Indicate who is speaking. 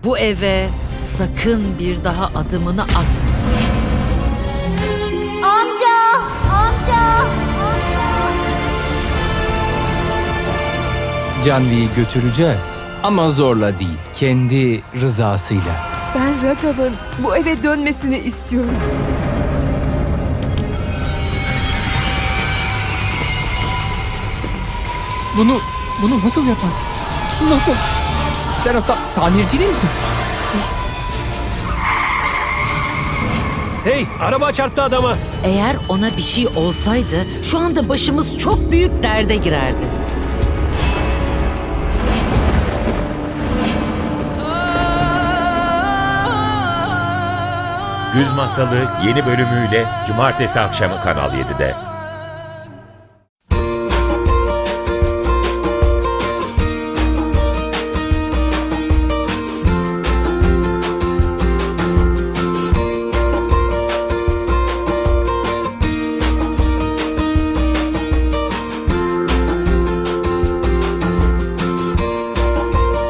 Speaker 1: Bu eve sakın bir daha adımını atma.
Speaker 2: Amca! Amca!
Speaker 3: Canvi'yi götüreceğiz. Ama zorla değil, kendi rızasıyla.
Speaker 4: Ben Raghav'ın bu eve dönmesini istiyorum.
Speaker 3: Bunu nasıl yaparsın? Nasıl? Sen o tamirci değil misin?
Speaker 5: Hey, araba çarptı adama.
Speaker 1: Eğer ona bir şey olsaydı şu anda başımız çok büyük derde girerdi.
Speaker 6: Güz Masalı yeni bölümüyle Cumartesi akşamı Kanal 7'de.